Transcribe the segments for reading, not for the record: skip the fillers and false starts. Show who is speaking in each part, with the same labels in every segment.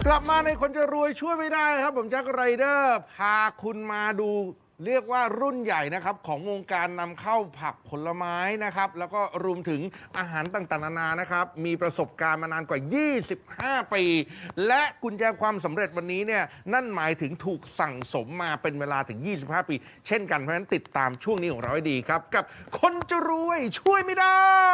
Speaker 1: กลับมาในคนจะรวยช่วยไม่ได้ครับผมแจ็คไรเดอร์พาคุณมาดูเรียกว่ารุ่นใหญ่นะครับของวงการนำเข้าผักผลไม้นะครับแล้วก็รวมถึงอาหารต่างๆนานานะครับมีประสบการณ์มานานกว่า 25 ปี และกุญแจความสำเร็จวันนี้เนี่ยนั่นหมายถึงถูกสั่งสมมาเป็นเวลาถึง 25 ปี เช่นกันเพราะฉะนั้นติดตามช่วงนี้ของเราให้ดีครับกับคนจะรวยช่วยไม่ได้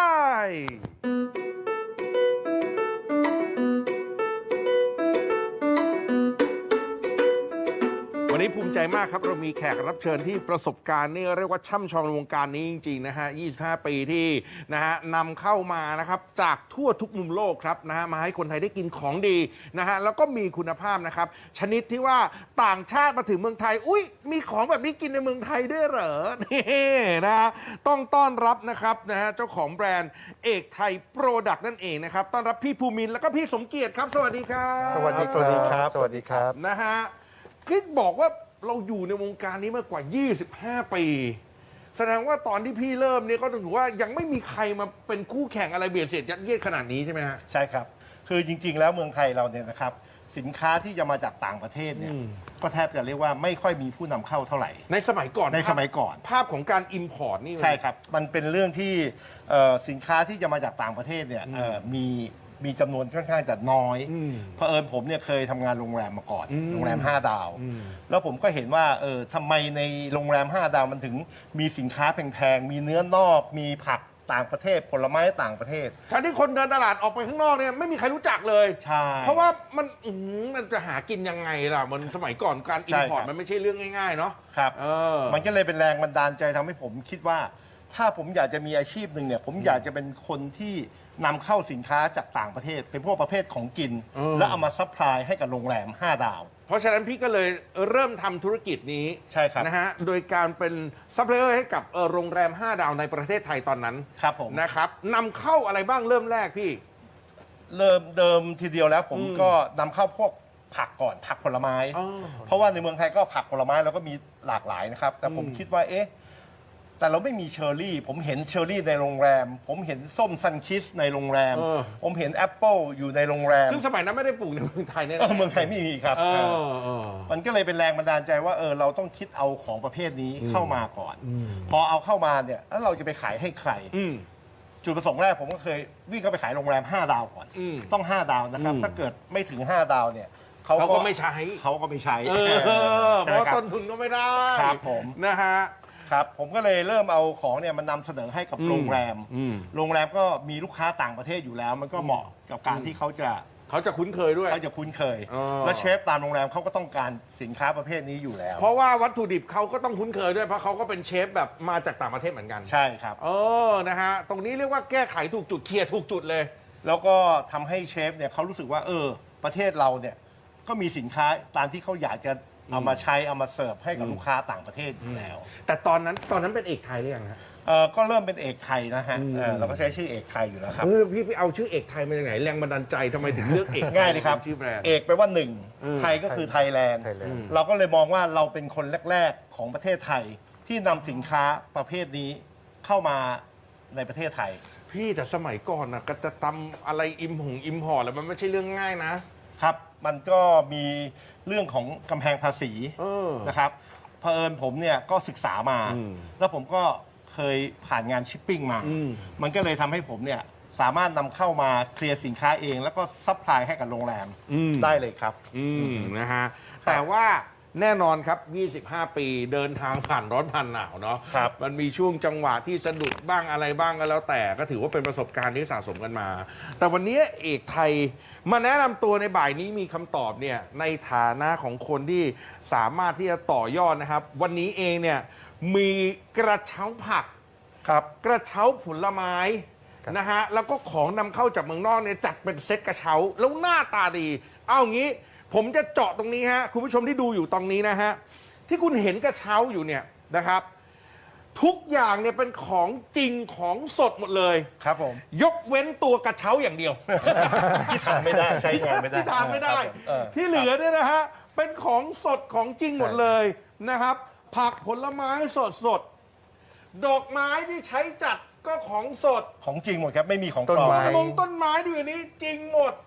Speaker 1: วันนี้ภูมิใจมากครับเรามีแขกรับเชิญที่ประสบการณ์นี่เรียกว่าช่ำชองในวงการนี้จริงๆนะฮะ 25 ปีที่นะฮะนำเข้ามานะครับจากทั่วทุกมุมโลกครับนะฮะมาให้คนไทยได้กินของดีนะฮะแล้วก็มีคุณภาพนะครับชนิดที่ว่าต่างชาติมาถึงเมืองไทยอุ๊ยมีของแบบนี้กินในเมืองไทยด้วยเหรอนี่นะฮะต้องต้อนรับนะครับนะฮะเจ้าของแบรนด์เอกไทยโปรดักต์นั่นเองนะครับต้อนรับพี่ภูมินทร์แล้วก็พี่สมเกียรติครับสวัสดีครับ
Speaker 2: สวัสดีครับ
Speaker 3: สวัสดีครับ
Speaker 1: นะฮะคิดบอกว่าเราอยู่ในวงการนี้มากว่า 25 ปี แสดงว่าตอนที่พี่เริ่มเนี่ยก็ถือว่ายังไม่มีใครมาเป็นคู่แข่งอะไรเบียดเสียดยัดเยียดขนาดนี้ใช่ไหมฮะ
Speaker 2: ใช่ครับ คือจริงๆ แล้วเมืองไทยเราเนี่ยนะครับสินค้าที่จะมาจากต่างประเทศเนี่ยก็แทบจะเรียกว่าไม่ค่อยมีผู้นำเข้าเท่าไหร่
Speaker 1: ในสมัยก่อน
Speaker 2: ในสมัยก่อน
Speaker 1: ภาพของการอิมพอร์ตนี่
Speaker 2: ใช่ครับ มันเป็นเรื่องที่สินค้าที่จะมาจากต่างประเทศเนี่ยมีจำนวนค่อนข้างจะน้อยเผอิญผมเนี่ยเคยทำงานโรงแรมมาก่อนโรงแรม5 ดาว แล้วผมก็เห็นว่าทำไมในโรงแรม5 ดาวมันถึงมีสินค้าแพงๆมีเนื้อนอกมีผักต่างประเทศผลไม้ต่างประเทศ
Speaker 1: การที่คนเดินตลาดออกไปข้างนอกเนี่ยไม่มีใครรู้จักเลย
Speaker 2: ใช่
Speaker 1: เพราะว่ามันจะหากินยังไงล่ะมันสมัยก่อนการอิมพอร์ต
Speaker 2: ใช่ครับ
Speaker 1: มันไม่ใช่เรื่องง่ายๆเนาะ
Speaker 2: ครับ
Speaker 1: มั
Speaker 2: มันก็เลยเป็นแรงบันดาลใจทำให้ผมคิดว่า ถ้าผมอยากจะมีอาชีพหนึ่งเนี่ยผมอยากจะเป็นคนที่นำเข้าสินค้าจากต่างประเทศ เป็นพวกประเภทของกิน แล้วเอามาซัพพลายให้กับโรงแรม5 ดาว
Speaker 1: เพราะฉะนั้นพี่ก็เลยเริ่มทำธุรกิจนี้
Speaker 2: ใช่ครับ
Speaker 1: นะฮะโดยการเป็นซัพพลายเออร์ให้กับโรงแรม 5 ดาวในประเทศไทยตอนนั้น
Speaker 2: ครับผม
Speaker 1: นะครับนำเข้าอะไรบ้างเริ่มแรกพี่
Speaker 2: เริ่มเดิมทีเดียวแล้วผมก็นำเข้าพวกผักก่อนผักผลไม้ เพราะว่าในเมืองไทยก็ผักผลไม้เราก็มีหลากหลายนะครับ แต่ผมคิดว่าแต่เราไม่มีเชอร์รี่ ผมเห็นเชอร์รี่ในโรงแรม ผมเห็นส้มซันคิสในโรงแรม ผมเห็นแอปเปิลอยู่ในโรงแรม
Speaker 1: ซึ่งสมัยนั้นไม่ได้ปลูกในเมืองไทยเนี่ย
Speaker 2: เมืองไทยไม่มีครับมันก็เลยเป็นแรงบันดาลใจว่าเราต้องคิดเอาของประเภทนี้เข้ามาก่อน พอเอาเข้ามาเนี่ยแล้วเราจะไปขายให้ใคร จุดประสงค์แรกผมก็เคยวิ่งเข้าไปขายโรงแรม5 ดาวก่อนต้อง5 ดาวนะครับ ถ้าเกิดไม่ถึง5 ดาวเนี่ย
Speaker 1: เขาก็ไม่ใช้
Speaker 2: เขาก็ไม่ใช้
Speaker 1: เพราะต้นทุนก็ไม่ได้
Speaker 2: ครับผม
Speaker 1: นะฮะ
Speaker 2: ครับผมก็เลยเริ่มเอาของเนี่ยมันนำเสนอให้กับโรงแรมโรงแรมก็มีลูกค้าต่างประเทศอยู่แล้ว มันก็เหมาะกับการที่เขาจะ
Speaker 1: คุ้นเคยด้วย
Speaker 2: เขาจะคุ้นเคย และเชฟตามโรงแรมเขาก็ต้องการสินค้าประเภทนี้อยู่แล้ว
Speaker 1: เพราะว่าวัตถุดิบเขาก็ต้องคุ้นเคยด้วยเพราะเขาก็เป็นเชฟแบบมาจากต่างประเทศเหมือนกัน
Speaker 2: ใช่ครับ
Speaker 1: นะฮะตรงนี้เรียกว่าแก้ไขถูกจุดเคลียร์ถูกจุดเลย
Speaker 2: แล้วก็ทำให้เชฟเนี่ยเขารู้สึกว่าประเทศเราเนี่ยก็มีสินค้าตามที่เขาอยากจะเอามาใช้เอามาเสิร์ฟให้กับลูกค้าต่างประเทศอยู่แล้ว
Speaker 1: แต่ตอนนั้นเป็นเอกไทยหรือยังฮะ
Speaker 2: ก็เริ่มเป็นเอกไทยนะฮะเราก็ใช้ชื่อเอกไทยอยู่แล้วครับ
Speaker 1: พี่เอาชื่อเอกไทยมาจากไหนแรงบันดาลใจทำไมถึงเลือกเอก
Speaker 2: ง่ายเลยครับ
Speaker 1: ชื่อแบรนด์
Speaker 2: เอกแปลว่าหนึ่งไทยก็คือไทยแลนด์เราก็เลยมองว่าเราเป็นคนแรกๆของประเทศไทยที่นำสินค้าประเภทนี้เข้ามาในประเทศไทย
Speaker 1: พี่แต่สมัยก่อนนะก็จะทำอะไรอิมพอร์ตแล้วมันไม่ใช่เรื่องง่ายนะครับ
Speaker 2: มันก็มีเรื่องของกำแพงภาษีนะครับเผอิญผมเนี่ยก็ศึกษามาแล้วผมก็เคยผ่านงานชิปปิ้งมามันก็เลยทำให้ผมเนี่ยสามารถนำเข้ามาเคลียร์สินค้าเองแล้วก็ซัพพลายให้กับโรงแรมได้เลยครับ
Speaker 1: นะฮะแต่ว่าแน่นอนครับ 25 ปีเดินทางผ่านร้อนผ่านหนาวเนาะมันมีช่วงจังหวะที่สะดุดบ้างอะไรบ้างก็แล้วแต่ก็ถือว่าเป็นประสบการณ์ที่สะสมกันมาแต่วันนี้เอกไทยมาแนะนำตัวในบ่ายนี้มีคำตอบเนี่ยในฐานะของคนที่สามารถที่จะต่อยอดนะครับวันนี้เองเนี่ยมีกระเช้าผักกระเช้าผลไม้นะฮะแล้วก็ของนำเข้าจากเมืองนอกเนี่ยจัดเป็นเซ็ตกระเช้าแล้วหน้าตาดีเอางี้ผมจะเจาะตรงนี้ฮะคุณผู้ชมที่ดูอยู่ตรงนี้นะฮะที่คุณเห็นกระเช้าอยู่เนี่ยนะครับทุกอย่างเนี่ยเป็นของจริงของสดหมดเลย
Speaker 2: ครับผม
Speaker 1: ยกเว้นตัวกระเช้าอย่างเดียว
Speaker 2: ที่ทานไม่ได้ใช้งานไม่ได้
Speaker 1: ที่ทานไม่ได้ที่เหลือเนี่ยนะฮะเป็นของสดของจริงหมดเลยนะครับผักผลไม้สดดอกไม้ที่ใช้จัดก็ของสด
Speaker 2: ของจริงหมดครับไม่มีของปลอม
Speaker 1: ต้นไม้ดูอย่างนี้จริงหมด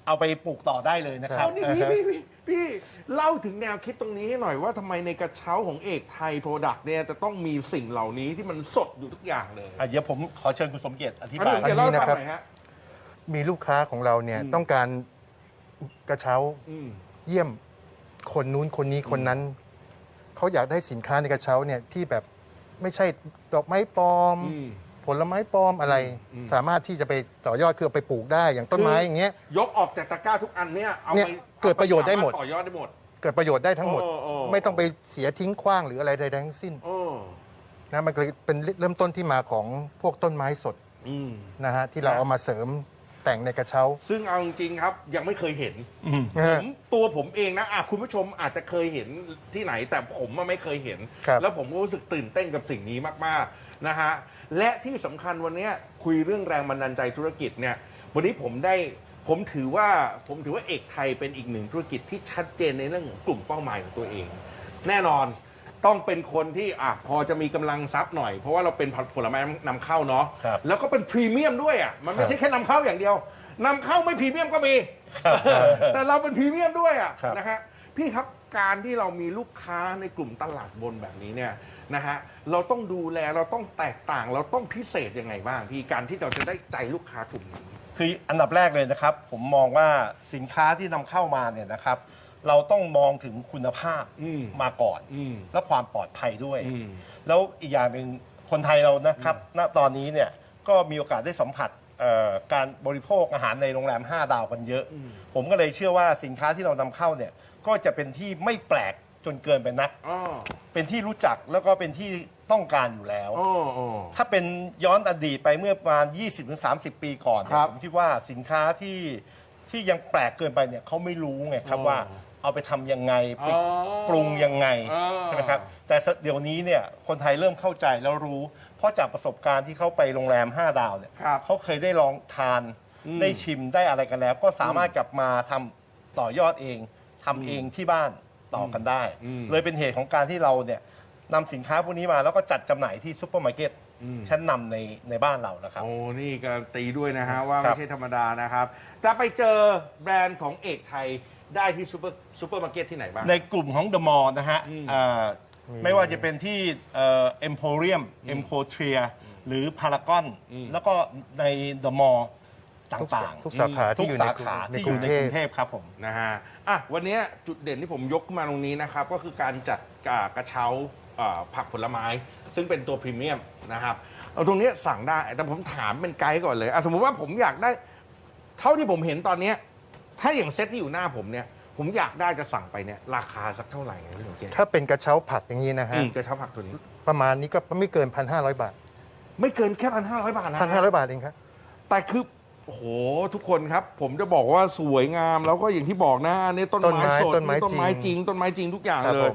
Speaker 2: เอาไปปลูกต่อได้เลยนะครับ
Speaker 1: เอานี่พี่เล่าถึงแนวคิดตรงนี้ให้หน่อยว่าทำไมในกระเช้าของเอกไทยโปรดักต์เนี่ยจะต้องมีสิ่งเหล่านี้ที่มันสดอยู่ทุกอย่างเลย
Speaker 2: เดี๋ยวผมขอเชิญคุณสมเกียรติอธิ
Speaker 1: อัน
Speaker 2: บา
Speaker 1: นี้
Speaker 2: ย
Speaker 1: ผมจะเล่าให้ฟัง
Speaker 3: อันนี้นะครับ
Speaker 1: หน่อยฮะ
Speaker 3: มีลูกค้าของเราเนี่ยต้องการกระเช้า
Speaker 1: อืม
Speaker 3: เยี่ยมคนนู้นคนนี้คนนั้น เขาอยากได้สินค้าในกระเช้าเนี่ยที่แบบไม่ใช่ดอกไม้ปลอม
Speaker 1: อืม
Speaker 3: ผลไม้ปลอมอะไร สามารถที่จะไปต่อยอดคือเอาไปปลูกได้อย่างต้นไม้อย่างเงี้ย
Speaker 1: ยกออกจากตะกร้าทุกอันเนี่ยเอา
Speaker 3: เนี่ย
Speaker 1: ไป
Speaker 3: เกิดประโยชน์ได้หมด
Speaker 1: สาารถต่อยอดได้หมด
Speaker 3: เกิดประโยชน์ได้ทั้งหมด
Speaker 1: โอ้
Speaker 3: ไม่ต้องไปเสียทิ้งขว้างหรืออะไรใดๆทั้งสิ้น
Speaker 1: โอ้
Speaker 3: นะมันก็เลยเป็นเริ่มต้นที่มาของพวกต้นไม้สด
Speaker 1: อืม
Speaker 3: นะฮะที่เราเอามาเสริมแต่งในกระเช้า
Speaker 1: ซึ่งเอาจริงๆครับยังไม่เคยเห็น
Speaker 3: นะฮะ
Speaker 1: ตัวผมเองนะคุณผู้ชมอาจจะเคยเห็นที่ไหน แต่ผมไม่เคยเห็น
Speaker 3: ครับ
Speaker 1: แล้วผมก็รู้สึกตื่นเต้นกับสิ่งนี้มากๆนะฮะและที่สำคัญวันนี้คุยเรื่องแรงบันดาลใจธุรกิจเนี่ยวันนี้ผมถือว่าเอกไทยเป็นอีกหนึ่งธุรกิจที่ชัดเจนในเรื่องของกลุ่มเป้าหมายของตัวเอง แน่นอนต้องเป็นคนที่พอจะมีกำลังทรัพย์หน่อย เพราะว่าเราเป็นผลไม้นำเข้าเนาะ
Speaker 2: ครับ
Speaker 1: แล้วก็เป็นพรีเมียมด้วยมันไม่ใช่แค่นำเข้าอย่างเดียวนำเข้าไม่พรีเมียมก็มี แต่เราเป็นพรีเมียมด้วย
Speaker 2: ครับ
Speaker 1: นะฮะพี่ครับการที่เรามีลูกค้าในกลุ่มตลาดบนแบบนี้เนี่ยนะฮะเราต้องดูแลเราต้องแตกต่าง เราต้องพิเศษยังไงบ้างพี่การที่เราจะได้ใจลูกค้ากลุ่มนี้
Speaker 2: คืออันดับแรกเลยนะครับ ผมมองว่าสินค้าที่นำเข้ามาเนี่ยนะครับ เราต้องมองถึงคุณภาพ
Speaker 1: อืม
Speaker 2: มาก่อน
Speaker 1: อืม
Speaker 2: และความปลอดภัยด้วย
Speaker 1: อืม
Speaker 2: แล้วอีกอย่างหนึ่งคนไทยเรานะครับ ณตอนนี้เนี่ยก็มีโอกาสได้สัมผัสการบริโภคอาหารในโรงแรม 5 ดาวกันเยอะ ผมก็เลยเชื่อว่าสินค้าที่เรานำเข้าเนี่ยก็จะเป็นที่ไม่แปลกจนเกินไปนัก
Speaker 1: อ๋อ
Speaker 2: เป็นที่รู้จักแล้วก็เป็นที่ต้องการอยู่แล้ว
Speaker 1: อ๋ออ๋อ
Speaker 2: ถ้าเป็นย้อนอดีตไปเมื่อประมาณ 20-30 ปีก่อนเนี่
Speaker 1: ครั
Speaker 2: ย
Speaker 1: บ
Speaker 2: ผมคิดว่าสินค้าที่ยังแปลกเกินไปเนี่ยเขาไม่รู้ไงครับ
Speaker 1: อ๋อ
Speaker 2: ว่าเอาไปทำยังไงไป
Speaker 1: อ๋อ
Speaker 2: ปรุงยังไง
Speaker 1: อ๋อ
Speaker 2: ใช่ไหมครับแต่เดี๋ยวนี้เนี่ยคนไทยเริ่มเข้าใจแล้วรู้ เพราะจากประสบการณ์ที่เขาไปโรงแรม 5 ดาวเนี่ย
Speaker 1: ครับ
Speaker 2: เขาเคยได้ลองทานได้ชิมได้อะไรกันแล้ว ก็สามารถกลับมาทำต่อยอดเองทำเองที่บ้านต่อกันได้ เลยเป็นเหตุของการที่เราเนี่ยนำสินค้าพวกนี้มาแล้วก็จัดจำหน่ายที่ซุปเปอร์มาร์เก็ตชั้นนำในบ้านเรานะครับ
Speaker 1: โอ้นี่การันตีด้วยนะฮะว่า
Speaker 2: ครั
Speaker 1: ไม่
Speaker 2: บ
Speaker 1: ใช่ธรรมดานะครับ จะไปเจอแบรนด์ของเอกไทยได้ที่ซูเปอร์มาร์เก็ตที่ไหนบ้าง
Speaker 2: ในกลุ่มของ The Mall นะฮะไม่ว่าจะเป็นที่เอ็มโพเรียมเอ็มโคเทียหรือพารากอนแล้วก็ใน The Mall ต่าง
Speaker 3: ทุกสาขา
Speaker 2: ทุ
Speaker 3: ที่
Speaker 2: ก
Speaker 3: อยู่
Speaker 2: สาขา
Speaker 3: ใน
Speaker 2: ที่
Speaker 3: ก
Speaker 2: อ
Speaker 3: รุ
Speaker 2: ยู่
Speaker 3: ง
Speaker 2: ใน
Speaker 3: เท
Speaker 2: ก
Speaker 3: พ
Speaker 2: รุงเทพครับผม
Speaker 1: นะฮะวันนี้จุดเด่นที่ผมยกขึ้นมาตรงนี้นะครับก็คือการจัดกระเช้าผักผลไม้ ซึ่งเป็นตัวพรีเมียมนะครับเอาตรงนี้สั่งได้แต่ผมถามเป็นไกด์ก่อนเลยสมมุติว่าผมอยากได้เท่าที่ผมเห็นตอนเนี้ยถ้าอย่างเซตที่อยู่หน้าผมเนี่ยผมอยากได้จะสั่งไปเนี่ยราคาสักเท่าไหร่พี่หนุ่มเกศ
Speaker 3: ถ้าเป็นกระเช้าผักอย่างนี้นะฮะ
Speaker 1: กระเช้าผักตัวนี้
Speaker 3: ประมาณนี้ก็ไม่เกิน 1,500 บาท
Speaker 1: ไม่เกินแค่1,500 บาทนะ
Speaker 3: 1,500 บาทเองครับ
Speaker 1: แต่คือโอ้โหทุกคนครับ ผมจะบอกว่าสวยงามแล้วก็อย่างที่บอกนะอันนี่ต้นไม้สด
Speaker 3: ต้นไม้
Speaker 1: นี่ต้นไม้จริง ต้นไม้จริงทุกอย่าง
Speaker 3: ครับ
Speaker 1: เล
Speaker 3: ผ
Speaker 1: ย
Speaker 3: ม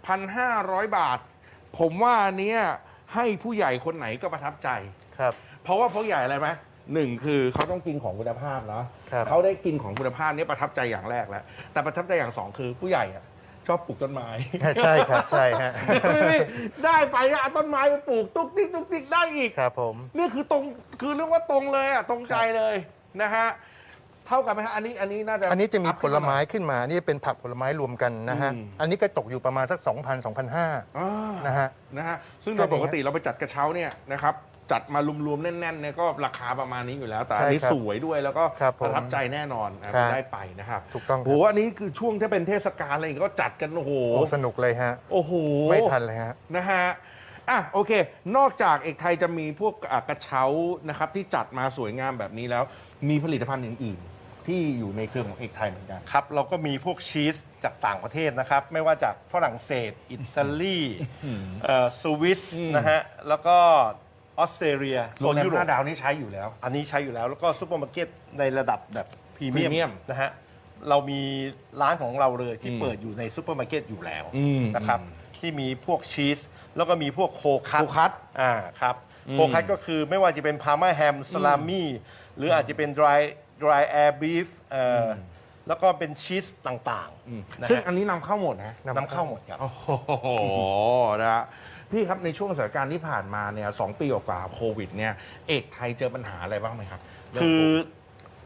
Speaker 1: 1,500 บาท ผมว่าอันเนี้ยให้ผู้ใหญ่คนไหนก็ประทับใจ
Speaker 3: ครับ
Speaker 1: เพราะว่าผู้ใหญ่อะไรไหมหนึ่งคือเขาต้องกินของคุณภาพเนาะ
Speaker 3: ครับ
Speaker 1: เขาได้กินของคุณภาพนี่ประทับใจอย่างแรกแล้วแต่ประทับใจอย่างสองคือผู้ใหญ่อะชอบปลูกต้นไม้
Speaker 3: ใช่ครับใช่ฮะ
Speaker 1: ได้ไปอะเอาต้นไม้ไปปลูกตุ๊กติ๊กตุ๊กติ๊กได้อีก
Speaker 3: ครับผม
Speaker 1: นี่คือตรงคือเรียกว่าตรงเลยตรงใจเลยนะฮะเท่ากันไหมฮะอันนี้น่าจะ
Speaker 3: อันนี้จะมี
Speaker 1: อัพ
Speaker 3: ผ
Speaker 1: ขึ้น
Speaker 3: ล
Speaker 1: หน่อย
Speaker 3: ไม้ขึ้นมา นี่เป็นผักผลไม้รวมกันนะฮะ
Speaker 1: อืม
Speaker 3: อันนี้ก็ตกอยู่ประมาณสัก 2,000 2,500
Speaker 1: อ่า
Speaker 3: นะฮะ
Speaker 1: นะฮะซึ่ง
Speaker 3: แค่
Speaker 1: โดย
Speaker 3: นี้
Speaker 1: ปกติเราไปจัดกระเช้าเนี่ยนะครับจัดมารวมๆแน่นๆเนี่ยก็ราคาประมาณนี้อยู่แล้ว แต่อันนี้
Speaker 3: ใช่ครับ
Speaker 1: สวยด้วยแล้วก็
Speaker 3: ครับผม
Speaker 1: ประทับใจแน่นอน
Speaker 3: ครับ
Speaker 1: ได้ไปนะครับ
Speaker 3: ถูกต้องครับ
Speaker 1: โหอันนี้คือช่วงที่เป็นเทศกาลอะไรอย่างเงี้ยก็จัดกันโอ้โห
Speaker 3: โอ้สนุกเลยฮะ
Speaker 1: โอ้โห
Speaker 3: ไม่ทันเลยฮะ
Speaker 1: นะฮะโอเค นอกจากเอกไทยจะมีพวกกระเช้านะครับที่จัดมาสวยงามแบบนี้แล้ว มีผลิตภัณฑ์อื่นๆที่อยู่ในเครือของเอกไทยเหมือนกัน
Speaker 2: ครับเราก็มีพวกชีสจากต่างประเทศนะครับ ไม่ว่าจากฝรั่งเศส อิตาลีสวิสนะฮะแล้วก็ออสเตรเลีย
Speaker 1: โรงแรม
Speaker 2: ยุโรป
Speaker 1: 5 ดาวนี่ใช้อยู่แล้ว
Speaker 2: อันนี้ใช้อยู่แล้วแล้วก็ซูเปอร์มาร์เก็ตในระดับแบบพรีเมีย
Speaker 1: พรีเมีย
Speaker 2: ม
Speaker 1: ม
Speaker 2: นะฮะเรามีร้านของเราเลยที่เปิดอยู่ในซูเปอร์มาร์เก็ตอยู่แล้วนะครับที่มีพวกชีสแล้วก็มีพวกโคคัต
Speaker 1: โคคัต
Speaker 2: ครับโคคัตก็คือไม่ว่าจะเป็นพาร์มาแฮมสลามี่หรืออาจจะเป็น dry air beef แล้วก็เป็นชีสต่างๆนะ
Speaker 1: ซึ่ง
Speaker 2: ฮะ
Speaker 1: อันนี้นำเข้าหมดนะ
Speaker 2: นำเข้าหมดครับ
Speaker 1: โอ้โหนะฮะพี่ครับในช่วงสถานการณ์ที่ผ่านมาเนี่ย2 ปีกว่าๆโควิดเนี่ยเอกไทยเจอปัญหาอะไรบ้างไหมครับ
Speaker 2: คือ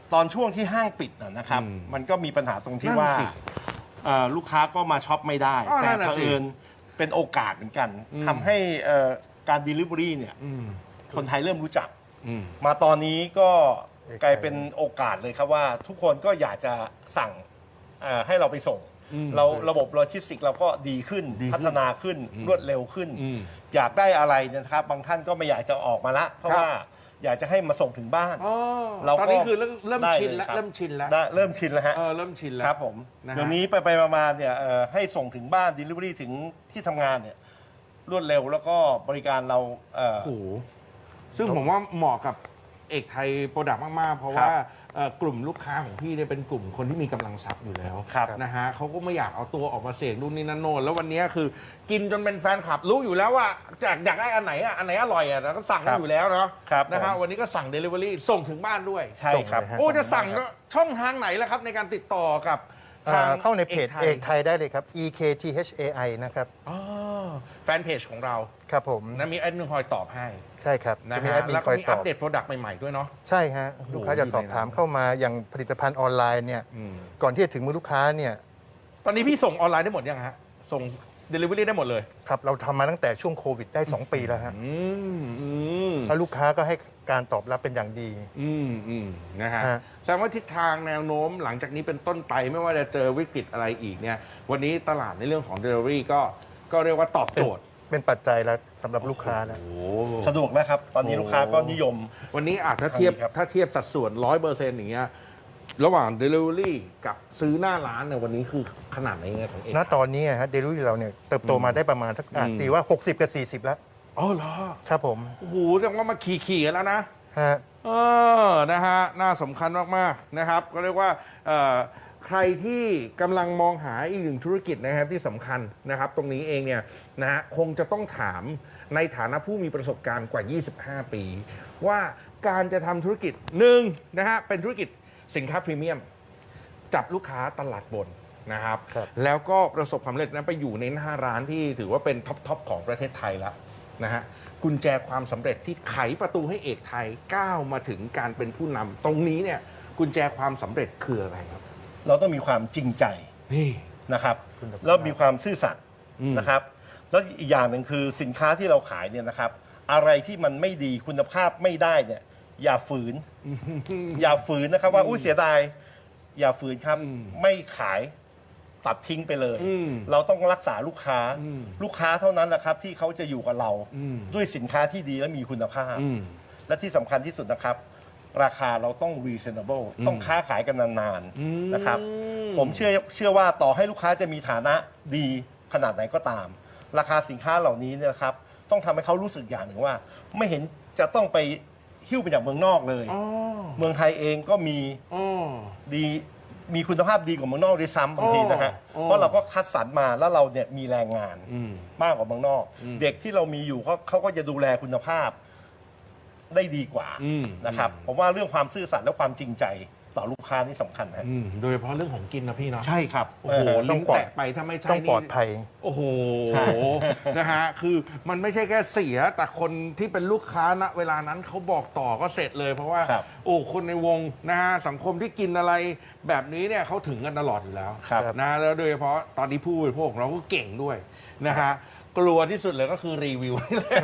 Speaker 2: ตอนช่วงที่ห้างปิดนะครับ มันก็มีปัญหาตรงที่
Speaker 1: นั่น
Speaker 2: ว่า
Speaker 1: สิ
Speaker 2: ลูกค้าก็มาช็อปไม่ได้
Speaker 1: อ๋อ
Speaker 2: แต่
Speaker 1: นั่นน่ะ
Speaker 2: เผ
Speaker 1: สิ
Speaker 2: อิญเป็นโอกาสเหมือนกันทำให้การ Delivery เนี่ยคนไทยเริ่มรู้จัก มาตอนนี้ก็กลายเป็นโอกาสเลยครับว่าทุกคนก็อยากจะสั่งให้เราไปส่ง เราระบบโลจิสติกเราก็ดีขึ้นพัฒนาขึ้นรวดเร็วขึ้น อยากได้อะไรเนยนะครับ บางท่านก็ไม่อยากจะออกมาละเพราะว่าอยากจะให้มาส่งถึงบ้าน
Speaker 1: อ๋อ
Speaker 2: เราก็
Speaker 1: ตอนนี้คือเริ่ม
Speaker 2: ได้
Speaker 1: ชิน
Speaker 2: เลย
Speaker 1: แล้ว
Speaker 2: ครับ
Speaker 1: เริ่มชินแล้ว
Speaker 2: ได้เริ่มชินแล้วฮะ
Speaker 1: เริ่มชินแล้ว
Speaker 2: ครับผม
Speaker 1: นะฮะ
Speaker 2: เดี๋ยวนี้ไปมาๆเนี่ยให้ส่งถึงบ้าน Delivery ถึงที่ทำงานเนี่ยรวดเร็วแล้วก็บริการเรา
Speaker 1: โอ้โหซึ่งผมว่าเหมาะกับเอกไทยโปรดักต์มาก ๆ เพราะ
Speaker 2: ครับ
Speaker 1: ว่ากลุ่มลูกค้าของพี่เนี่ยเป็นกลุ่มคนที่มีกำลังทรัพย์อยู่แล้ว
Speaker 2: ครับ
Speaker 1: นะฮะเขาก็ไม่อยากเอาตัวออกมาเสี่ยงนู่นนี่นั่นโน่นแล้ววันนี้คือกินจนเป็นแฟนคลับรู้อยู่แล้วว่าอยากได้อันไหนอันไหนอร่อยแล้วก็สั่งกันอยู่แล้วเนาะ
Speaker 2: ครับ
Speaker 1: นะฮะ
Speaker 2: ผม
Speaker 1: วันนี้ก็สั่ง Delivery ส่งถึงบ้านด้วย
Speaker 2: ใช่ครับ
Speaker 3: ส่งเลยฮะ
Speaker 1: โอ้จะสั่งก็ช่องทางไหนล่ะครับในการติดต่อกับทาง
Speaker 3: เข้าในเพจเอก
Speaker 1: ไท
Speaker 3: ไท
Speaker 1: ย
Speaker 3: ยได้เลยครับ EKTHAI นะครับ
Speaker 1: อ๋อแฟนเพจของเรา
Speaker 3: ครับผม
Speaker 1: นะมีแอดมินคอยตอบให้
Speaker 3: ใช่ครับ
Speaker 1: นะ
Speaker 3: จะมี
Speaker 1: ฮะ
Speaker 3: แอดมิน
Speaker 1: แล้ว
Speaker 3: ค
Speaker 1: ก็
Speaker 3: อย
Speaker 1: มี
Speaker 3: ต
Speaker 1: อั
Speaker 3: อ
Speaker 1: ป
Speaker 3: บ
Speaker 1: เดตโปรดักต์ใหม่ ๆ ด้วยเนาะ
Speaker 3: ใช่ฮะ
Speaker 1: โอ้โห
Speaker 3: ลูกค้าจะสอบถาม
Speaker 1: อยู่ในนั้น
Speaker 3: เข้ามาอย่างผลิตภัณฑ์ออนไลน์เนี่ยก่อนที่จะถึงมือลูกค้าเนี่ย
Speaker 1: ตอนนี้พี่ส่งออนไลน์ได้หมดยังฮะ ส่ง Delivery ได้หมดเลย
Speaker 3: ครับเราทำมาตั้งแต่ช่วงโควิดได้ 2 ปีแล้วฮะ
Speaker 1: ม
Speaker 3: แล้วลูกค้าก็ให้การตอบรับเป็นอย่างดี
Speaker 1: นะฮะ
Speaker 3: ฮะ
Speaker 1: แสดงว่าทิศทางแนวโน้มหลังจากนี้เป็นต้นไปไม่ว่าจะเจอวิกฤตอะไรอีกเนี่ย วันนี้ตลาดในเรื่องของ Delivery ก็เรียกว่าตอบโจทย์
Speaker 3: เป็นปัจจัยแล้วสำหรับลูกค้าแล้ว
Speaker 1: โอ้
Speaker 2: สะดวกนะครับ ตอนนี้ลูกค้าก็นิยม
Speaker 1: วันนี้อาจจะเทียบ
Speaker 2: ครับ
Speaker 1: ถ้าเทียบสัดส่วน 100%อย่างเงี้ยระหว่าง Delivery กับซื้อหน้าร้านเนี่ยวันนี้คือขนาดไหนยังไงของเอก
Speaker 3: ณตอนนี้ฮะเดลิเวอรี่เราเนี่ยเติบโตมาได้ประมาณสักตีว่า 60 กับ 40 แล้ว
Speaker 1: อ๋อเหรอ
Speaker 3: ครับผม
Speaker 1: โอ้โหแสดงว่ามาขี่กันแล้วนะ
Speaker 3: ฮะ
Speaker 1: นะฮะ น่าสำคัญมาก ๆ นะครับ ก็เรียกว่าใครที่กำลังมองหาอีกหนึ่งธุรกิจนะครับที่สำคัญนะครับ ตรงนี้เองเนี่ยนะฮะคงจะต้องถามในฐานะผู้มีประสบการณ์กว่า 25 ปี ว่าการจะทำธุรกิจหนึ่งนะฮะเป็นธุรกิจสินค้าพรีเมียม จับลูกค้าตลาดบนนะครับ
Speaker 3: ครับ
Speaker 1: แล้วก็ประสบความสำเร็จนั้นไปอยู่ในหน้าร้านที่ถือว่าเป็นท็อปของประเทศไทยแล้วนะฮะกุญแจความสำเร็จที่ไขประตูให้เอกไทยก้าวมาถึงการเป็นผู้นำตรงนี้เนี่ยกุญแจความสำเร็จคืออะไรครับ
Speaker 2: เราต้องมีความจริงใจ
Speaker 1: นี่
Speaker 2: นะครับ
Speaker 3: คุณภาพ
Speaker 2: แล้วมีความซื่อสัตย์
Speaker 1: อืม
Speaker 2: นะครับ แล้วอีกอย่างหนึ่งคือสินค้าที่เราขายเนี่ยนะครับ อะไรที่มันไม่ดีคุณภาพไม่ได้เนี่ยอย่าฝืน อย่าฝืนนะครับว่าอุ้ยเสียดายอย่าฝืนครับ ไม่ขายตัดทิ้งไปเลย เราต้องรักษาลูกค้า ลูกค้าเท่านั้นแหละครับที่เขาจะอยู่กับเรา ด้วยสินค้าที่ดีและมีคุณภาพ และที่สำคัญที่สุดนะครับ ราคาเราต้อง reasonable ต้องค้าขายกันนานๆนะครับ ผมเชื่อว่าต่อให้ลูกค้าจะมีฐานะดีขนาดไหนก็ตาม ราคาสินค้าเหล่านี้เนี่ยนะครับ ต้องทำให้เขารู้สึกอย่างหนึ่งว่า ไม่เห็นจะต้องไปหิ้วไปจากเมืองนอกเลย เมืองไทยเองก็มีดีมีคุณภาพดีกว่าเมืองนอกด้วยซ้ำบางทีนะฮะ
Speaker 1: อ๋อ
Speaker 2: เพราะเราก็คัดสรรมาแล้วเราเนี่ยมีแรงงานมากกว่าเมืองนอก เด็กที่เรามีอยู่เขาก็จะดูแลคุณภาพได้ดีกว่านะครับผมว่าเรื่องความซื่อสัตย์และความจริงใจต่อลูกค้านี่สำคัญฮะ
Speaker 1: โดยเฉพาะเรื่องของกินนะพี่เนาะ
Speaker 2: ใช่ครับ
Speaker 1: โอ้โห
Speaker 3: ต้
Speaker 1: ลิ้
Speaker 3: อง
Speaker 1: น
Speaker 3: ปลอด
Speaker 1: แตะไปถ้าไม่ใช่
Speaker 3: ต้องปลอดภัย
Speaker 1: โอ้โห
Speaker 2: ใช่
Speaker 1: นะฮะคือมันไม่ใช่แค่เสียแต่คนที่เป็นลูกค้าณเวลานั้นเขาบอกต่อก็เสร็จเลย เพราะว่า
Speaker 2: ครับ
Speaker 1: โอ้คนในวงนะฮะสังคมที่กินอะไรแบบนี้เนี่ยเขาถึงกันตลอดอยู่แล้ว
Speaker 2: ครับ
Speaker 1: นะแล้วโดยเฉพาะตอนนี้ผู้บริโภคของเราก็เก่งด้วยนะฮะกลัวที่สุดเลยก็คือรีวิว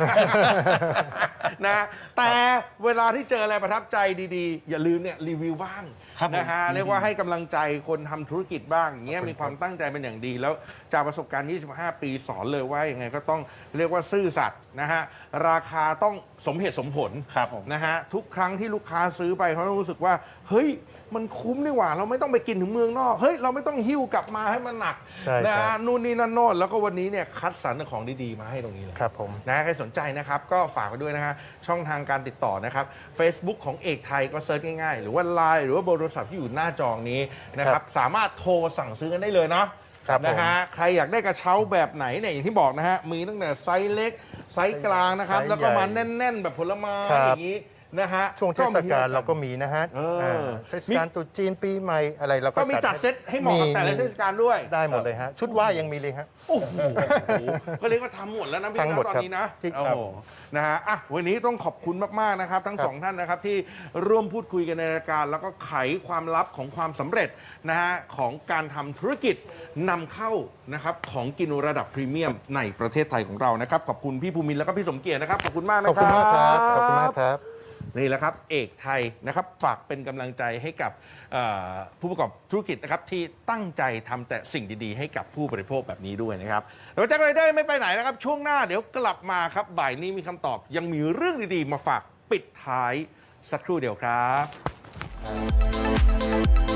Speaker 1: นะแต่เวลาที่เจออะไรประทับใจดีๆ อย่าลืมเนี่ยรีวิวบ้าง
Speaker 2: ครับผม
Speaker 1: นะฮะเรียกว่าให้กำลังใจคนทำธุรกิจบ้างอย่างเงี้ยมีความตั้งใจเป็นอย่างดี แล้วจากประสบการณ์ 25 ปีสอนเลยว่ายังไงก็ต้องเรียกว่าซื่อสัตย์นะฮะราคาต้องสมเหตุสมผล
Speaker 2: ครับผม
Speaker 1: นะฮะทุกครั้งที่ลูกค้าซื้อไปเขาต้องรู้สึกว่าเฮ้ยมันคุ้มดีกว่า เราไม่ต้องไปกินถึงเมืองนอกเฮ้ยเราไม่ต้องหิ้วกลับมาให้มันหนัก
Speaker 3: ใช่ครับ
Speaker 1: นะฮะนู่นนี่นั่นโน่นแล้วก็วันนี้เนี่ยคัดสรรของดีๆมาให้ตรงนี้เลย
Speaker 3: ครับผม
Speaker 1: นะใครสนใจนะครับก็ฝากไว้ด้วยนะฮะช่องทางการติดต่อนะครับ Facebook ของเอกไทยก็เซิร์ชง่ายๆ หรือว่า Line หรือว่าเบอร์โทรศัพท์ที่อยู่หน้าจอนี้นะครับสามารถโทรสั่งซื้อกันได้เลยเนาะ
Speaker 3: ครับผม
Speaker 1: นะฮะใครอยากได้กระเช้าแบบไหนเนี่ยอย่างที่บอกนะฮะมีตั้งแต่ไซส์เล็กไซส์กลางนะครับ
Speaker 3: ไซส์
Speaker 1: แล้วก็มา
Speaker 3: ใหญ่
Speaker 1: แน่น ๆ แบบผลไม้
Speaker 3: ครับ
Speaker 1: อย่างนี้นะฮะ
Speaker 3: ช่วงเทศกาลเราก็มีนะฮะ
Speaker 1: เออ
Speaker 3: เทศกาลตรุษจีนปีใหม่อะไรเราก็
Speaker 1: ก็มีจัดเซตให้เหมาะกับแต่ละเทศกาลด้วย
Speaker 3: ได้หมดเลยฮะ ชุดว่ายยังมีเลยฮะ
Speaker 1: โอ้โหก็เรียกว่าทำหมดแล้วนะพี่
Speaker 3: ทั้งหมด
Speaker 1: นะตอน
Speaker 3: ครับ
Speaker 1: นี้นะ
Speaker 3: ที่
Speaker 1: โอ้โหนะฮะอ่ะวันนี้ต้องขอบคุณมากๆนะครับ ทั้ง
Speaker 3: ครับ
Speaker 1: สองท่านนะครับที่ร่วมพูดคุยกันในรายการ แล้วก็ไขความลับของความสำเร็จนะฮะของการทำธุรกิจนำเข้านะครับของกินระดับพรีเมียมในประเทศไทยของเรานะครับขอบคุณพี่ภูมินทร์แล้วก็พี่สมเกียรตินะครับขอบคุณมากนะ
Speaker 3: ขอบ
Speaker 1: ค
Speaker 3: คุณ
Speaker 1: รับ
Speaker 3: มากครับ ขอบคุณมากครับ
Speaker 1: นี่แหละครับเอกไทยนะครับฝากเป็นกำลังใจให้กับผู้ประกอบธุรกิจนะครับที่ตั้งใจทำแต่สิ่งดีๆ ให้กับผู้บริโภคแบบนี้ด้วยนะครับแล้วแจ็คไรเดอร์ไม่ไปไหนนะครับช่วงหน้าเดี๋ยวกลับมาครับบ่ายนี้มีคำตอบยังมีเรื่องดีๆ มาฝากปิดท้ายสักครู่เดียวครับ